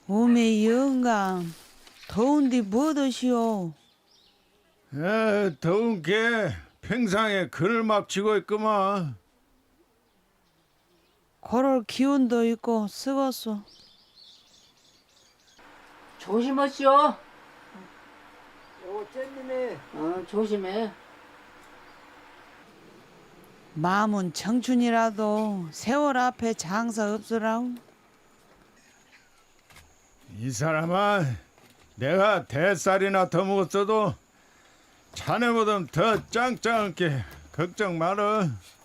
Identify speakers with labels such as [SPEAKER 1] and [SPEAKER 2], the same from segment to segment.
[SPEAKER 1] 오메 영감, 더운데 뭐 드시오?
[SPEAKER 2] 더운 게 평상에 그늘 막 쥐고 있구만.
[SPEAKER 1] 걸을 기운도 있고 쓰겄소.
[SPEAKER 3] 조심하시오.
[SPEAKER 4] 쟤님이
[SPEAKER 3] 조심해.
[SPEAKER 1] 마음은 청춘이라도 세월 앞에 장사 없으라우.
[SPEAKER 2] 이 사람아, 내가 대살이나 더 먹었어도 자네보다 더 짱짱하게 걱정 말어.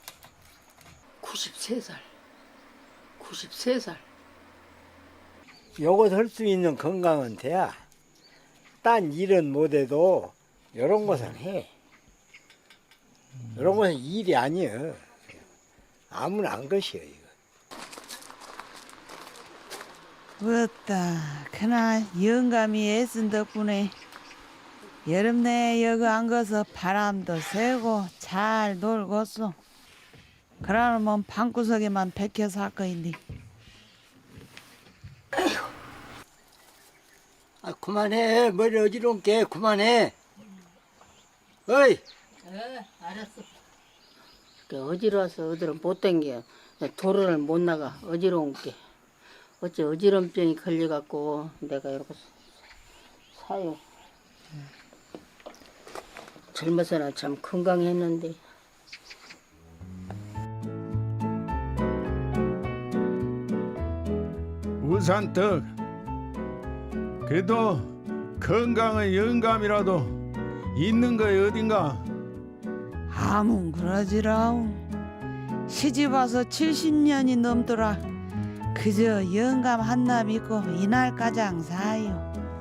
[SPEAKER 3] 93살. 93살.
[SPEAKER 4] 요것 할 수 있는 건강은 돼야. 딴 일은 못해도 요런 것은 해. 요런 것은 일이 아니여. 아무나 안 것이여 이거.
[SPEAKER 1] 어따 그나 영감이 애쓴 덕분에 여름 내 여기 안 가서 바람도 쐬고 잘 놀겠소. 그러면 방구석에만 백혀 살 거인데.
[SPEAKER 4] 아 그만해. 머리 어지러운 게 그만해. 어이.
[SPEAKER 3] 알았어. 어지러워서 어디로 못 댕겨. 도로를 못 나가. 어지러운 게. 어째 어지럼병이 걸려갖고 내가 이렇게 사요. 젊어서나 참 건강했는데.
[SPEAKER 2] 우산떡. 그래도 건강의 영감이라도 있는 거에 어딘가.
[SPEAKER 1] 아문 그러지라우. 시집 와서 70년이 넘더라. 그저 영감 한나 믿고 이날가장 사요.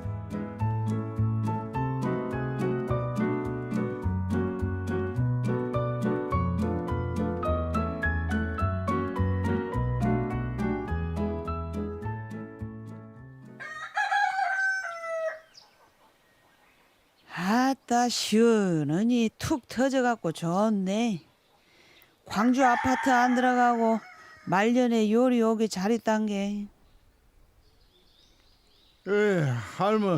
[SPEAKER 1] 아따 시원하니 툭 터져갖고 좋네. 광주 아파트 안 들어가고 말년에 요리 오기 잘했단 게.
[SPEAKER 2] 할머,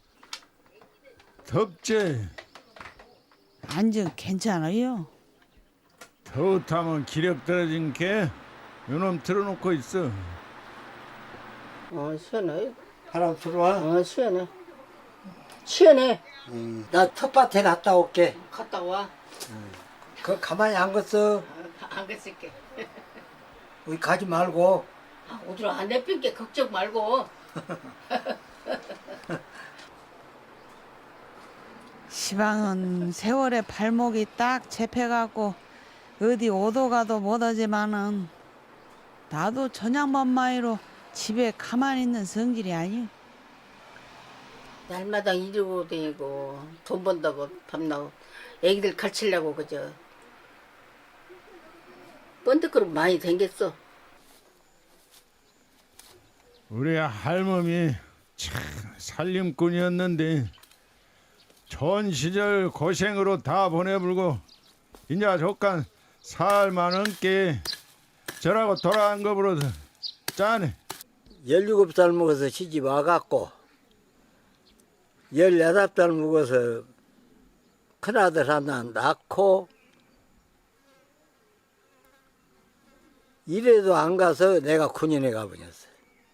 [SPEAKER 2] 덥지?
[SPEAKER 1] 완전 괜찮아요.
[SPEAKER 2] 더우타면 기력 떨어진 게 요놈 틀어놓고 있어.
[SPEAKER 3] 시원해.
[SPEAKER 4] 바람 들어와.
[SPEAKER 3] 시원해. 시원해.
[SPEAKER 4] 나 텃밭에 갔다 올게.
[SPEAKER 3] 갔다 와.
[SPEAKER 4] 그 가만히 안 걷어.
[SPEAKER 3] 안 갔을게.
[SPEAKER 4] 우리 가지 말고.
[SPEAKER 3] 어디로 안 내필게 걱정 말고.
[SPEAKER 1] 시방은 세월에 발목이 딱 잡혀갖고 어디 오도 가도 못하지만은 나도 저녁만마이로 집에 가만히 있는 성질이 아니오.
[SPEAKER 3] 날마다 이러고 다니고 돈 번다고 밤나고 애기들 가르치려고 그저 번뜩그릇 많이 댕겼어.
[SPEAKER 2] 우리 할멈이 참 살림꾼이었는데 전 시절 고생으로 다 보내불고 이제 조간 살 많은 게 저라고 돌아간 거 버려서 짠해.
[SPEAKER 4] 17살 먹어서 시집 와갖고 18살 먹어서 큰아들 하나 낳고 이래도 안 가서 내가 군인에 가버렸어.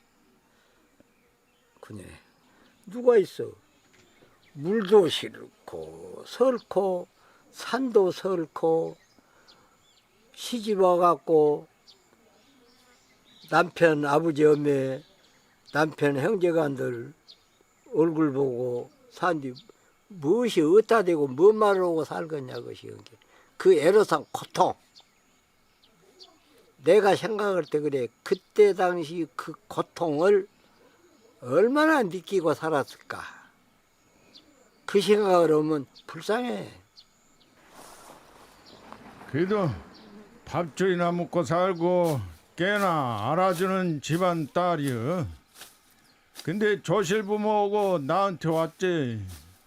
[SPEAKER 4] 군인에. 누가 있어? 물도 싫고 설고 산도 설고 시집 와갖고 남편 아버지 엄매 남편 형제간들 얼굴 보고 산뒤 무엇이 어디다 대고 뭔 말을 하고 살겠냐 그것이 그 애로상 고통. 내가 생각할 때 그래. 그때 당시 그 고통을 얼마나 느끼고 살았을까. 그 생각을 하면 불쌍해.
[SPEAKER 2] 그래도 밥줄이나 먹고 살고 꽤나 알아주는 집안 딸이여. 근데 조실부모하고 나한테 왔지.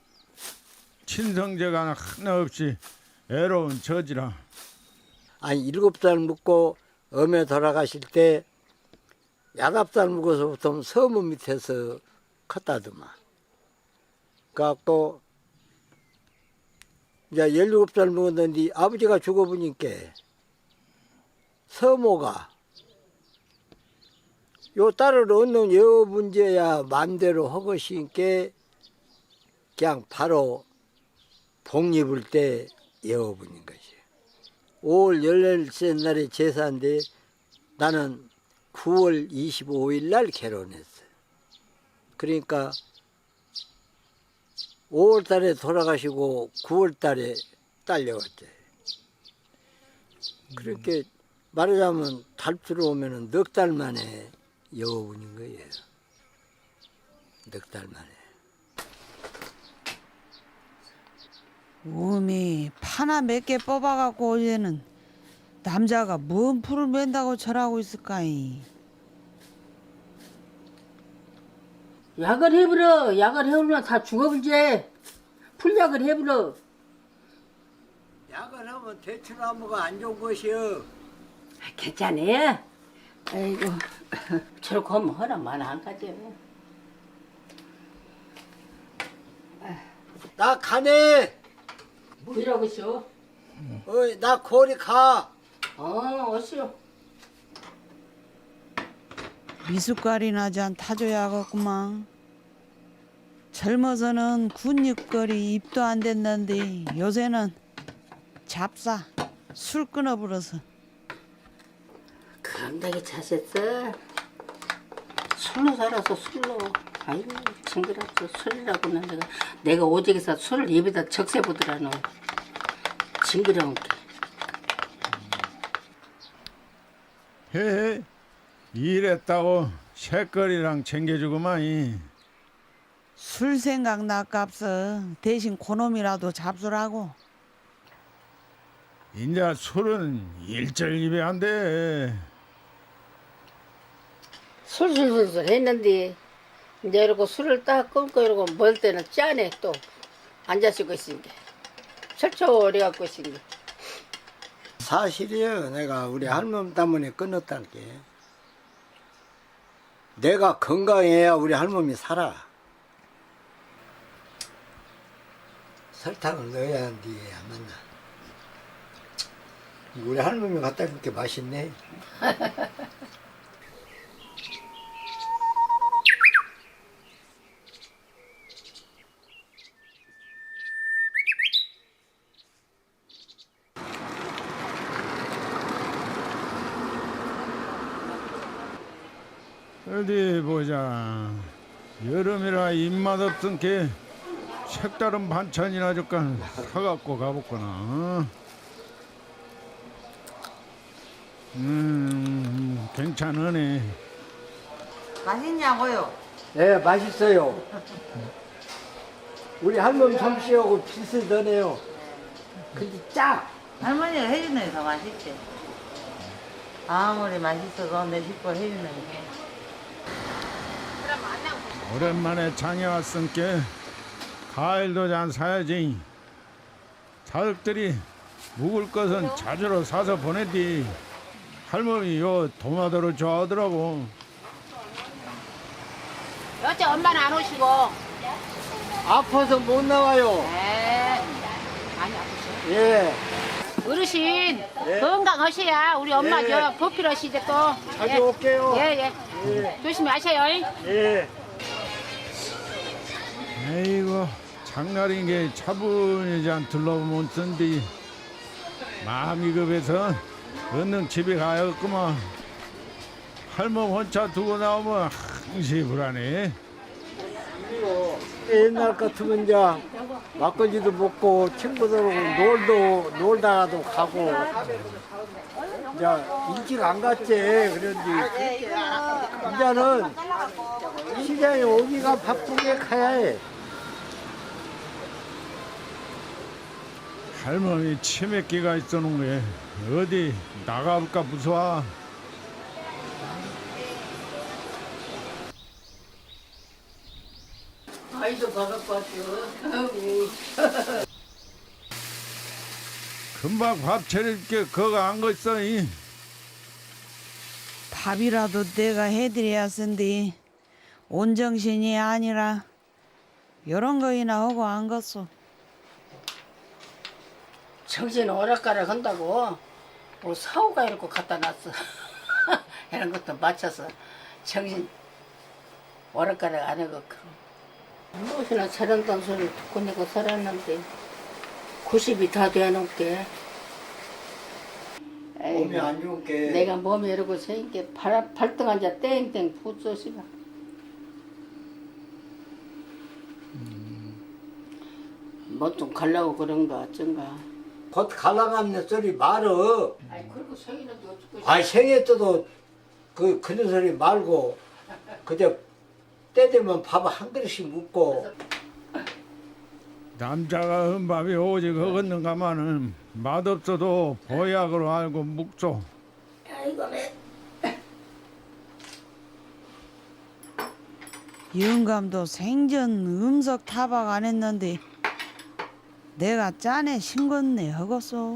[SPEAKER 2] 친성제가 하나 없이 애로운 처지라.
[SPEAKER 4] 아니 7살 먹고 엄에 돌아가실 때 야답살 먹어서부터 서문 밑에서 컸다더만. 그래갖고 이제 17살 먹었는데 아버지가 죽어보니까 서모가 요 딸을 얻는 여 문제야 맘대로 허것이니까 그냥 바로 복립을 때 여어분인 것이. 5월 14살 날에 제사인데 나는 9월 25일 날 결혼했어요. 그러니까 5월 달에 돌아가시고 9월 달에 딸려왔대. 그렇게 말하자면 달 들어오면은 넉 달 만에 여어분인 거예요. 넉 달 만에.
[SPEAKER 1] 음이 파나 몇 개 뽑아갖고 어제는 남자가 뭔 풀을 맨다고 절하고 있을까이.
[SPEAKER 3] 약을 해버려. 약을 해버리면 다 죽어불지. 풀약을 해버려.
[SPEAKER 4] 약을 하면 대추나무가 안 좋은 것이요.
[SPEAKER 3] 괜찮아. 아이고 저렇게 하면 허락 많아 안 가지.
[SPEAKER 4] 나 가네.
[SPEAKER 3] 뭐라고 쇼?
[SPEAKER 4] 어이, 나 거리 가.
[SPEAKER 3] 어시오.
[SPEAKER 1] 미숫가리나 잔 타줘야겠구만. 젊어서는 군입거리 입도 안 됐는데 요새는 잡사 술 끊어버려서.
[SPEAKER 3] 감당이 차셨어. 술로 살아서 술로. 아이고 징그럽죠. 술이라고는 내가 오직에서 술을 입에다 적세 보더라노. 징그러운 게.
[SPEAKER 2] 해 일했다고 새거리랑 챙겨주고만.
[SPEAKER 1] 술 생각 나깝서 대신 고놈이라도 잡수라고.
[SPEAKER 2] 인자 술은 일절 입에 안 돼.
[SPEAKER 3] 술술술술 했는데 이제 이러고 술을 딱 끊고 이러고 먹을 때는 짠해 또 앉아쓰고 있으니까 철철해 갖고 있으니까.
[SPEAKER 4] 사실이에요. 내가 우리 할머니 때문에 끊었다는 게. 내가 건강해야 우리 할머니 살아. 설탕을 넣어야 하는데 안 맞나. 우리 할머니 갖다 준 게 맛있네.
[SPEAKER 2] 어디 보자. 여름이라 입맛 없던 게 색다른 반찬이나 잠깐 사갖고 가볼거나. 괜찮으네.
[SPEAKER 1] 맛있냐고요?
[SPEAKER 4] 네, 맛있어요. 우리 할머니 솜씨하고 비슷하네요. 근데 짜.
[SPEAKER 5] 할머니가 해주는 게 더 맛있지. 아무리 맛있어도 내 식구 해주는 게.
[SPEAKER 2] 오랜만에 장에 왔으니까 과일도 잔 사야지. 자식들이 묵을 것은 자주로 사서 보내디. 할머니 요 도마도를 좋아하더라고.
[SPEAKER 3] 어째 엄마는 안 오시고.
[SPEAKER 4] 아파서 못 나와요.
[SPEAKER 3] 많이 아프셔.
[SPEAKER 4] 예.
[SPEAKER 3] 어르신 건강하셔야 우리 엄마
[SPEAKER 4] 예.
[SPEAKER 3] 저 보필하시대 또.
[SPEAKER 4] 자주 올게요.
[SPEAKER 3] 예. 조심히 하셔요.
[SPEAKER 4] 예.
[SPEAKER 2] 에이고 장날인 게 차분히 잔 둘러보면 쓴디 마음이 급해서 얼른 집에 가야겠구만. 할멈 혼자 두고 나오면 항시 불안해.
[SPEAKER 4] 옛날 같으면 이제 막걸리도 먹고 친구들하고 놀다가도 가고 이제 일찍 안 갔지. 그런데 이제는 시장에 오기가 바쁘게 가야 해.
[SPEAKER 2] 할머니 치매기가 있어놓은 게 어디 나가볼까 무서워.
[SPEAKER 3] 아이도 먹을것 같아요.
[SPEAKER 2] 금방 밥 차릴게 그거 안 거 있어.
[SPEAKER 1] 밥이라도 내가 해드려야 쓴디 온정신이 아니라 이런 거이나 하고 안 갔어.
[SPEAKER 3] 정신 오락가락 한다고 뭐 사오가 이렇게 갖다 놨어. 이런 것도 맞춰서 정신 오락가락 안 하고 무엇이나 잘한다는 소리 듣고 내가 살았는데 90이 다 돼놓게
[SPEAKER 4] 몸이 안 좋게.
[SPEAKER 3] 내가 몸이 이러고 생게 발등 앉아 땡땡 부서시가 뭐 좀 갈라고 그런가 어쩐가.
[SPEAKER 4] 곧 갈라가는 소리 말어.
[SPEAKER 3] 아니 그리고 생이는데 어쩌고
[SPEAKER 4] 아 생애 때도 그런 소리 말고 그저 때 되면 밥 한 그릇씩 먹고.
[SPEAKER 2] 남자가 한 밥이 오직 허겄는가마는 맛없어도 보약으로 알고 묵소.
[SPEAKER 3] 아이고 매
[SPEAKER 1] 영감도 생전 음석 타박 안 했는데 내가 짠에 신건네 허겄어.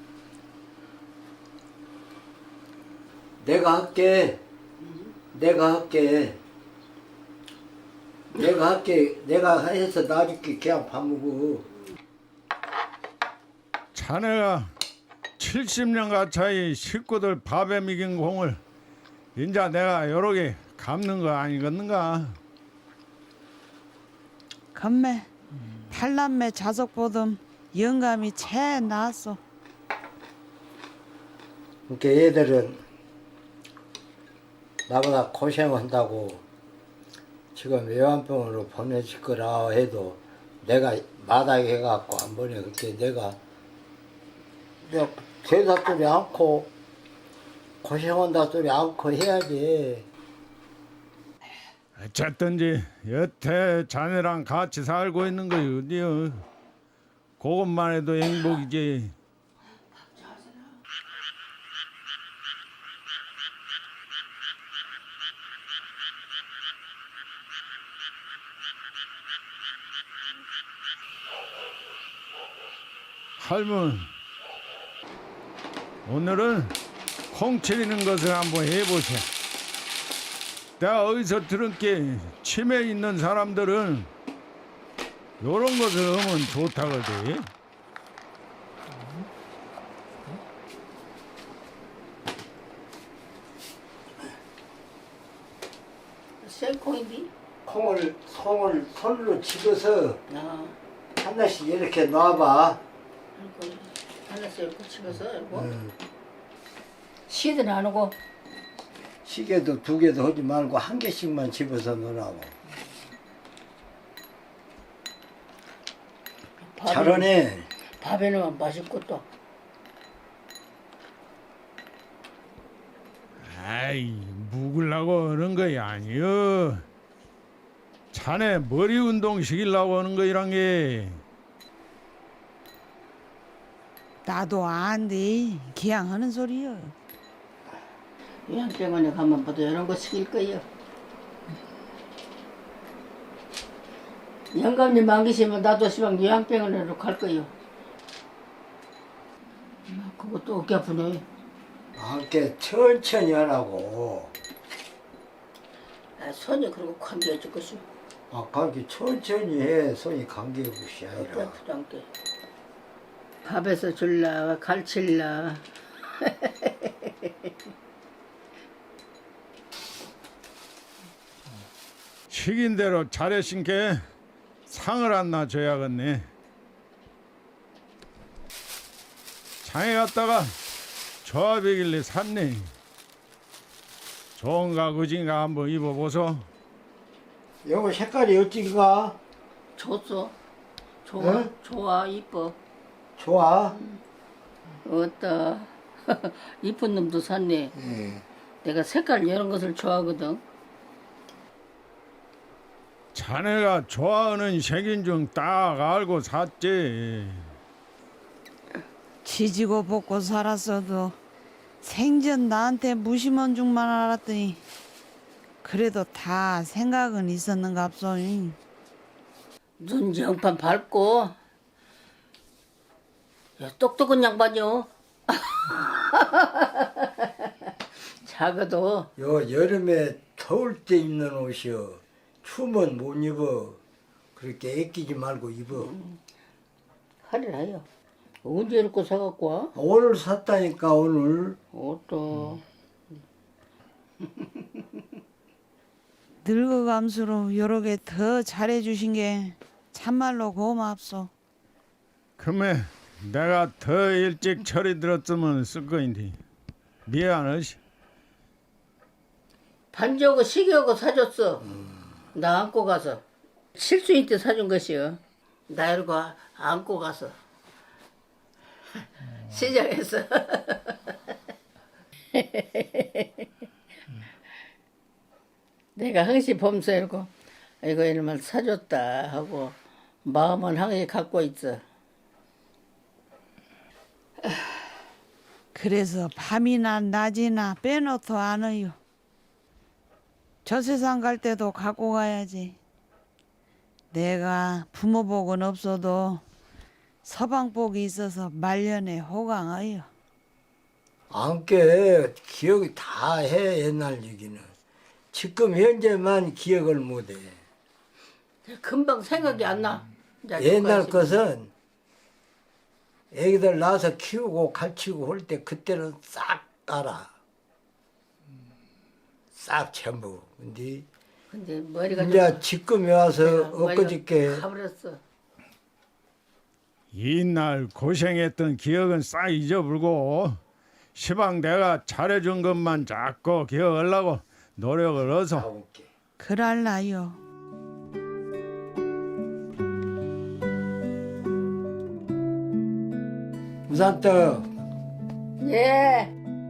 [SPEAKER 4] 내가 할게. 내가 할게. 내가 할게. 내가 해서 놔줄게. 그냥 밥 먹어.
[SPEAKER 2] 자네가 70년 가차이 식구들 밥에 먹인 공을 인자 내가 여러 개 갚는 거 아니겠는가?
[SPEAKER 1] 건매 팔남매 자석 보듬 영감이 채 나았어.
[SPEAKER 4] 그러니까 얘들은 나보다 고생한다고 지금 외환병으로 보내질 거라 해도 내가 마다게 해갖고 안 보내. 그렇게 내가 대사 소리 않고 고생한다 소리 않고 해야지.
[SPEAKER 2] 어쨌든지 여태 자네랑 같이 살고 있는 거 어디여? 그것만 해도 행복이지. 할멈, 오늘은 콩 치리는 것을 한번 해보세. 내가 어디서 들은 게 치매 있는 사람들은 요런 것을 하면 좋다거든.
[SPEAKER 3] 생콩인데?
[SPEAKER 4] 콩을 손으로 집어서
[SPEAKER 3] 아
[SPEAKER 4] 하나씩 이렇게 놔봐.
[SPEAKER 3] 이거 하나씩 이렇게 집어서 이러고 시든 안 오고
[SPEAKER 4] 시계도 2개도 하지 말고 1개씩만 집어서 넣으라고. 잘하네.
[SPEAKER 3] 밥에 넣으면 맛있고 또
[SPEAKER 2] 아이, 묵으려고 하는 거이 아니여. 자네 머리 운동 시키려고 하는 거이란 게.
[SPEAKER 1] 나도 안돼 기양 하는 소리여.
[SPEAKER 3] 요양병원에 가면 모두 이런 거 시킬 거예요. 영감님 안 계시면 나도 시방 요양병원으로 갈 거예요. 그것도 어깨 아프네.
[SPEAKER 4] 이렇게 천천히 하라고.
[SPEAKER 3] 아, 손이 그러고 관계해 줄 것이
[SPEAKER 4] 그렇게 천천히 해. 손이 감기는 것이
[SPEAKER 3] 어깨
[SPEAKER 4] 아니라.
[SPEAKER 3] 아프단 게. 밥에서 줄라 갈칠라.
[SPEAKER 2] 시킨 대로 잘해신 게 상을 하나 줘야겠네. 장에 갔다가 조합이길래 샀네. 좋은가 그진가 한번 입어보소.
[SPEAKER 4] 요거 색깔이 어찌가?
[SPEAKER 3] 좋소. 좋아.
[SPEAKER 4] 응?
[SPEAKER 3] 좋아. 이뻐.
[SPEAKER 4] 좋아?
[SPEAKER 3] 어따. 이쁜 놈도 샀네.
[SPEAKER 4] 예.
[SPEAKER 3] 내가 색깔 이런 것을 좋아하거든.
[SPEAKER 2] 자네가 좋아하는 색인 중 딱 알고 샀지.
[SPEAKER 1] 지지고 볶고 살았어도 생전 나한테 무심한 줄만 알았더니 그래도 다 생각은 있었는갑소.
[SPEAKER 3] 눈 영판 밝고 야, 똑똑한 양반이요. 작아도
[SPEAKER 4] 요 여름에 더울 때 입는 옷이요. 추우면 못 입어. 그렇게 애끼지 말고 입어.
[SPEAKER 3] 할일 해요. 언제 이렇게 사갖고 와?
[SPEAKER 4] 오늘 샀다니까 오늘.
[SPEAKER 3] 옷도
[SPEAKER 1] 늙어감수로 여러 개 더 잘해주신 게 참말로 고맙소.
[SPEAKER 2] 금에 내가 더 일찍 철이 들었으면 쓸 거인데 미안하시.
[SPEAKER 3] 반지하고 시계하고 사줬어. 나 안고 가서 실수인 때 사준 것이요. 나 이러고 안고 가서 시장에서 내가 항시 범서 이러고 이거 이놈을 사줬다 하고 마음은 항시 갖고 있어.
[SPEAKER 1] 그래서 밤이나 낮이나 빼놓도 않아요. 저 세상 갈 때도 갖고 가야지. 내가 부모복은 없어도 서방복이 있어서 말년에 호강하여.
[SPEAKER 4] 안게 기억이 다 해 옛날 얘기는. 지금 현재만 기억을 못해.
[SPEAKER 3] 금방 생각이 안 나. 이제
[SPEAKER 4] 옛날
[SPEAKER 3] 그거
[SPEAKER 4] 것은 애기들 낳아서 키우고 가르치고 할 때 그때는 싹 알아. 싹 전부.
[SPEAKER 3] 근데 머리가
[SPEAKER 4] 이제 지금에 와서
[SPEAKER 3] 머리가
[SPEAKER 4] 엊그저께
[SPEAKER 3] 가버렸어.
[SPEAKER 2] 이날 고생했던 기억은 싹 잊어버리고 시방 내가 잘해준 것만 자꾸 기억하려고 노력을 해서
[SPEAKER 4] 가볼게.
[SPEAKER 1] 그랄라요.
[SPEAKER 4] 우산떡
[SPEAKER 3] 예.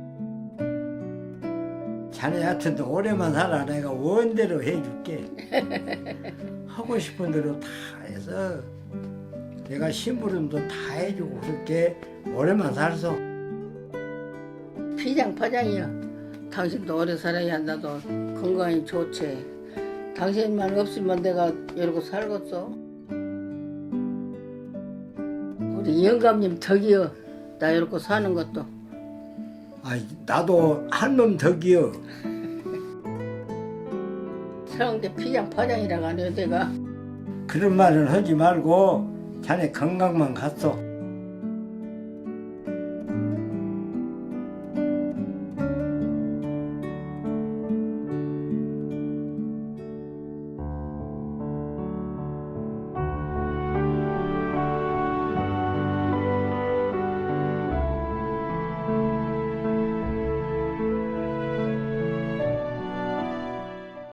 [SPEAKER 4] 자네 하여튼 오래만 살아. 내가 원대로 해줄게. 하고 싶은 대로 다 해서 내가 심부름도 다 해주고 그렇게 오래만 살소.
[SPEAKER 3] 피장파장이야. 당신도 오래 살아야 나도 건강이 좋지. 당신만 없으면 내가 이러고 살겠어. 우리 영감님 덕이여. 나 이러고 사는 것도.
[SPEAKER 4] 나도 한 놈 덕이여.
[SPEAKER 3] 서운데 피장파장이라고 안 해요 내가.
[SPEAKER 4] 그런 말은 하지 말고 자네 건강만 갔어.